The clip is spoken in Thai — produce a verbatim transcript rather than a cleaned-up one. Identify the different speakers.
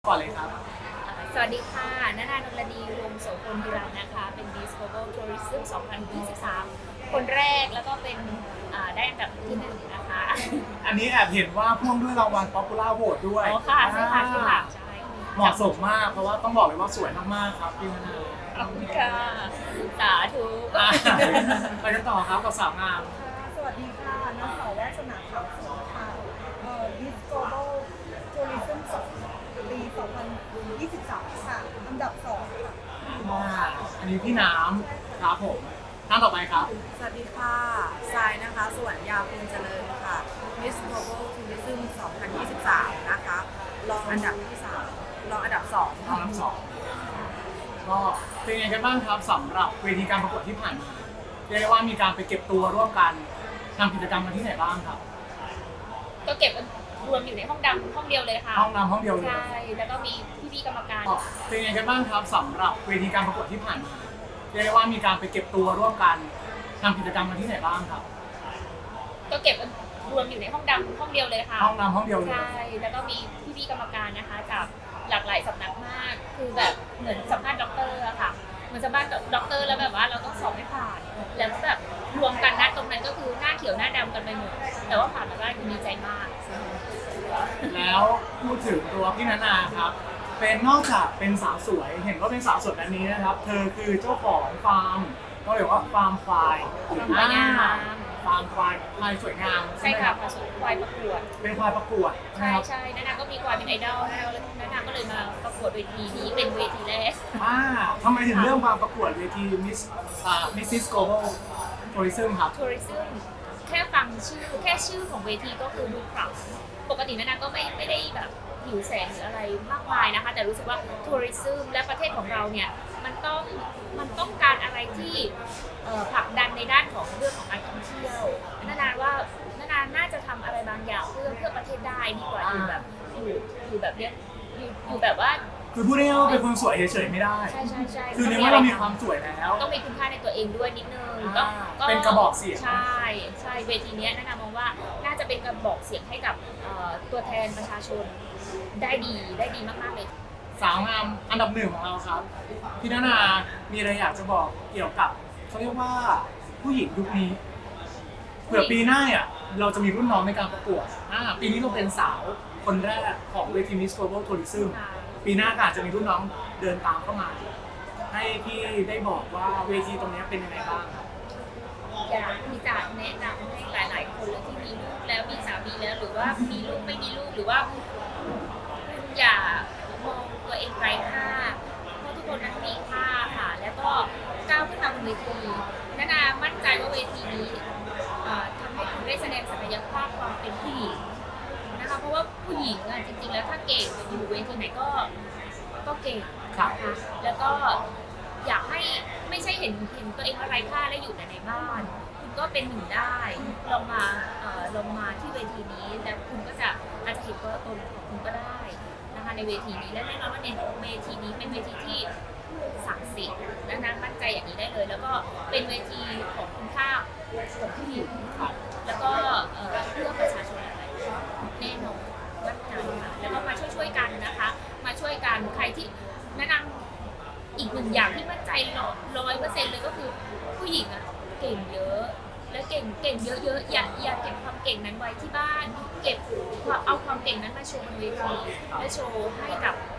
Speaker 1: ก่อนเลยครับ
Speaker 2: สวัสดีค่ะณนานนดีวงศ์โสพลพิรันนะคะ เป็น Miss Global Tourism สองพันยี่สิบสาม คนแรกแล้วก็เป็นได้อันดับที่หนึ่งนะคะ
Speaker 1: อันนี้แอบเห็นว่าพ่วงด้วยรางวัล Popular Vote ด้วย
Speaker 2: อ๋อค่ะใช่ค่ะใช่ค่ะใช่
Speaker 1: เหมาะสมมากเพราะว่าต้องบอกเลยว่าสวยมากๆครับพี่มนา
Speaker 2: ขอบคุณค่ะสาธุ
Speaker 1: ไปกันต่อครับกับสาวงาม
Speaker 3: สวัสดีค่ะนางสาววาสนาทัพสงค่ะเอ่อ Miss Global Tourism สองปีสองพันยี่สิบสามค่ะอันดับสองค่ะ
Speaker 1: อันนี้พี่น้ำครับผมท่านต่อไปครับ
Speaker 4: สวัสดีค่ะทรายนะคะสวนยาภูมิเจริญค่ะ Miss Global Tourism สองพันยี่สิบสามนะคะรองอันดับที่สามรองอันดับสอง
Speaker 1: รองอันดับสองก็เป็นยังไงกันบ้างครับสำหรับเวทีการประกวดที่ผ่านมาเรียกได้ว่ามีการไปเก็บตัวร่วมกันทำกิจกรรมกันที่ไหนบ้างครับ
Speaker 2: ก็เก็บรวมอยู่ในห้องดำห้องเดียวเลยค่ะ
Speaker 1: ห้องดำห้องเดียวเลย
Speaker 2: ใช่แล้วก็มีพี่ๆกรรมการ
Speaker 1: เป็นยังไงกันบ้างครับสำหรับเวทีการประกวดที่ผ่านมาเรียกได้ว่ามีการไปเก็บตัวร่วมกันทำกิจกรรมกันที่ไหนบ้างครับ
Speaker 2: ก็เก็บรวมอยู่ในห้องดำห้องเดียวเลยค่ะ
Speaker 1: ห้องดำห้องเดียวเลย
Speaker 2: ใช่แล้วก็มีพี่ๆกรรมการนะคะจากหลากหลายสำนักมากคือแบบเหมือนสัมภาษณ์ด็อกเตอร์อะค่ะเหมือนสัมภาษณ์ด็อกเตอร์แล้วแบบว่าเราต้องสอบให้ผ่านแล้วแบบรวมกันนะตรงนั้นก็คือหน้าเขียวหน้าดำกันไปหมดแต่ว่าผ่านมาได้ดีใจมาก
Speaker 1: แล้วพูดถึงตัวพี่นานาครับเป็นนอกจากเป็นสาวสวยเห็นว่าเป็นสาวสวยแบบนี้นะครับเธอคือเจ้าของฟาร์มก็เรียกว่าฟาร์มควาย
Speaker 2: ฟาร์มควายงาม
Speaker 1: ฟาร์มควายควายสวยงาม
Speaker 2: ใช่ค่ะควายประกวด
Speaker 1: เป็นควายประกวด
Speaker 2: ใช่ใช่นานาก็มีควายเป็นไอดอลนานาก็เลยมาประกวดเวทีนี้เป็นเวทีแรก
Speaker 1: อ่าทำไมถึงเรื่องมาประกวดเวทีมิสอ่ามิสซิสโกลบอลทัวริซึมครับ
Speaker 2: ทัวริซึมแค่ฟังชื่อแค่ชื่อของเวทีก็คือดูขลังปกตินานาก็ไม่ไม่ได้แบบหิวแสงหรืออะไรมากมายนะคะแต่รู้สึกว่าทัวริซึมและประเทศของเราเนี่ยมันต้องมันต้องการอะไรที่ผลักดันในด้านของเรื่องของการท่องเที่ยวนานาว่านานาน่าจะทำอะไรบางอย่างเพื่อเพื่อประเทศได้ดีกว่าอยู่แบบอยู่อยู่แบบเนี้ยอยู่อยู่แบบว่า
Speaker 1: คือพูดง่ายๆว่าเป็นคนสวยเฉยๆไม่ได้
Speaker 2: ใช่ใช่ใช่
Speaker 1: คือในเมื่อเรามีความสวยแล้ว
Speaker 2: ต้องมีคุณค่าในตัวเองด้วยนิดนึงต้อง
Speaker 1: เป็นกระบอกเสียง
Speaker 2: ใช่ใช่เวทีนี้นานา มองว่าน่าจะเป็นกระบอกเสียงให้กับตัวแทนประชาชนได้ดีได้ดีมากๆเลย
Speaker 1: สาวงามอันดับหนึ่งของเราครับพี่นานามีอะไรอยากจะบอกเกี่ยวกับเขาเรียกว่าผู้หญิงยุคนี้เผื่อปีหน้าอ่ะเราจะมีรุ่นน้องในการประกวดอ่าปีนี้เราเป็นสาวคนแรกของเวที Miss Global Tourism ปีหน้าก็อาจจะมีรุ่นน้องเดินตามเข้ามาให้พี่ได้บอกว่าเวทีตรงนี้เป็นยังไงบ้างครับ
Speaker 2: อยากที่จะแนะนำให้หลายๆคนเลยที่มีลูกแล้วมีสามีแล้วหรือว่ามีลูกไม่มีลูกหรือว่าคุณอย่ามองตัวเองไร้ค่าเพราะทุกคนนั้นมีค่าค่ะแล้วก็ก้าวขึ้นมาบนเวทีนานามั่นใจว่าเวทีนี้ทำให้คุณได้แสดงศักยภาพความเป็นผู้หญิงนะคะเพราะว่าผู้หญิงอ่ะจริงๆแล้วถ้าเก่งอยู่เวทีไหนก็ก็เก่งนะคะแล้วก็อยากให้ไม่ใช่เห็นเห็นตัวเองว่าไร้ค่าและอยู่แต่ในบ้านคุณก็เป็นหนึ่งได้ลงมาลงมาที่เวทีนี้แล้วคุณก็จะอาจจะเห็นตัวตนของคุณก็ได้นะคะในเวทีนี้และแน่นอนว่าในเวทีนี้เป็นเวทีที่ศักดิ์สิทธิ์และนั้นมั่นใจอย่างนี้ได้เลยแล้วก็เป็นเวทีของคุณค่าของผู้หญิงแล้วก็เพื่อประชาชนอะไรแน่นอนมั่นใจค่ะแล้วก็มาช่วยๆกันนะคะมาช่วยกันใครที่แนะนำอีกหนึ่งอย่างที่มั่นใจร้อยเปอร์เซ็นต์เลยก็คือผู้หญิงอ่ะเก่งเยอะและเก่งเก่งเยอะๆอย่าอย่าเก็บความเก่งนั้นไว้ที่บ้านเก็บเอาความเก่งนั้นมาโชว์บนเวทีและโชว์ให้กับ